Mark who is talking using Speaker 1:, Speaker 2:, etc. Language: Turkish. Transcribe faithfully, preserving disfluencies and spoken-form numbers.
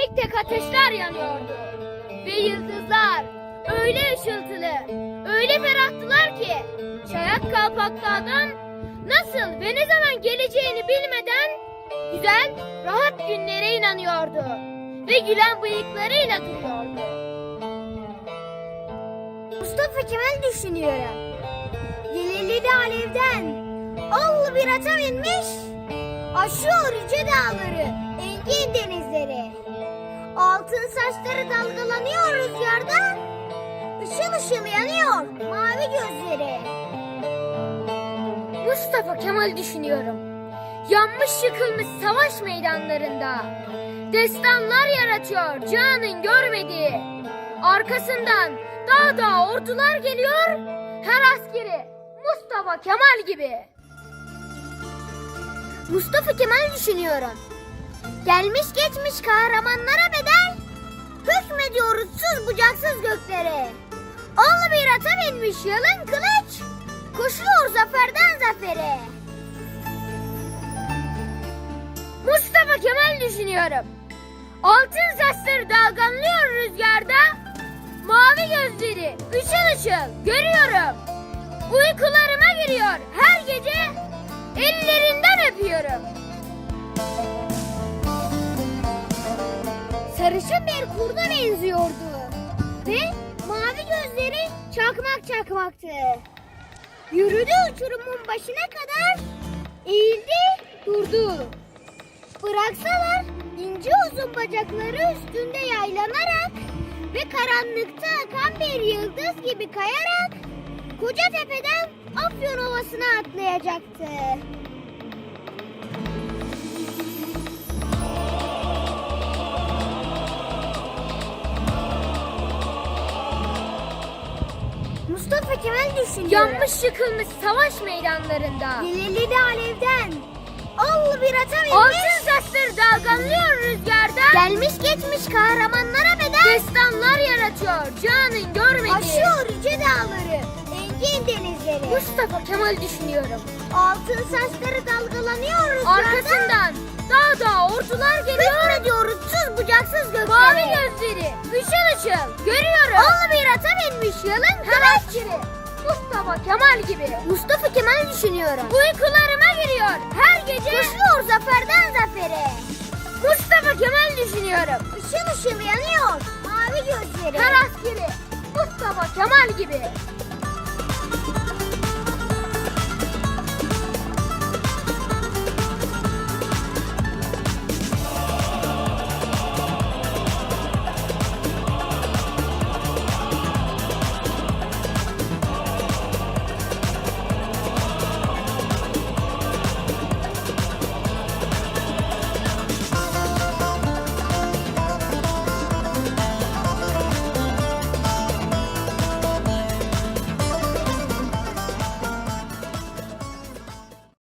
Speaker 1: tek tek ateşler yanıyordu. Ve yıldızlar öyle ışıltılı, öyle ferahtılar ki Çayak Kalpaklı adam nasıl ve ne zaman geleceğini bilmeden güzel, rahat günlere inanıyordu ve gülen bıyıklarıyla duruyordu.
Speaker 2: Mustafa Kemal düşünüyorum. Yelelili alevden allı bir ata binmiş, aşıyor yüce dağları, engin denizleri. Altın saçları dalgalanıyor rüzgarda, ışıl ışıl yanıyor mavi gözleri.
Speaker 1: Mustafa Kemal düşünüyorum. Yanmış yıkılmış savaş meydanlarında destanlar yaratıyor canın görmediği. Arkasından dağ dağ ordular geliyor, her askeri Mustafa Kemal gibi.
Speaker 2: Mustafa Kemal düşünüyorum. Gelmiş geçmiş kahramanlara bedel, hükmediyor uçsuz bucaksız göklere. Allı bir ata binmiş yalın kılıç, koşuyor zaferden zafere.
Speaker 1: Mustafa Kemal düşünüyorum. Altın saçları dalgalanıyor rüzgarda, mavi gözleri ışıl ışıl görüyorum. Uykularıma giriyor her gece, ellerinden öpüyorum.
Speaker 2: Sarışın bir kurda benziyordu ve mavi gözleri çakmak çakmaktı. Yürüdü uçurumun başına kadar, eğildi durdu. Bıraksalar ince uzun bacakları üstünde yaylanarak ve karanlıkta akan bir yıldız gibi kayarak koca tepeden Afyon Ovası'na atlayacaktı. Mustafa Kemal düşünüyor.
Speaker 1: Yanmış yıkılmış savaş meydanlarında
Speaker 2: Yelelili alevden allı bir ata binmiş,
Speaker 1: altın saçları dalgalanıyor rüzgarda,
Speaker 2: gelmiş geçmiş kahramanlara bedel
Speaker 1: destanlar yaratıyor canın görmediği.
Speaker 2: aşıyor yüce dağları, engin denizleri.
Speaker 1: Mustafa Kemal düşünüyorum.
Speaker 2: Altın saçları dalgalanıyor rüzgarda,
Speaker 1: Arkasından dağ dağ ordular geliyor,
Speaker 2: hükmediyor uçsuz bucaksız göklere.
Speaker 1: mavi gözleri ışıl ışıl görüyorum.
Speaker 2: Allı bir ata binmiş yalın
Speaker 1: Her
Speaker 2: kılıç.
Speaker 1: askeri Mustafa Kemal gibi.
Speaker 2: Mustafa Kemal düşünüyorum.
Speaker 1: Uykularıma giriyor her gece,
Speaker 2: Koşuyor zaferden zafere.
Speaker 1: Mustafa Kemal düşünüyorum.
Speaker 2: Işıl ışıl yanıyor mavi gözleri.
Speaker 1: Her askeri Mustafa Kemal gibi.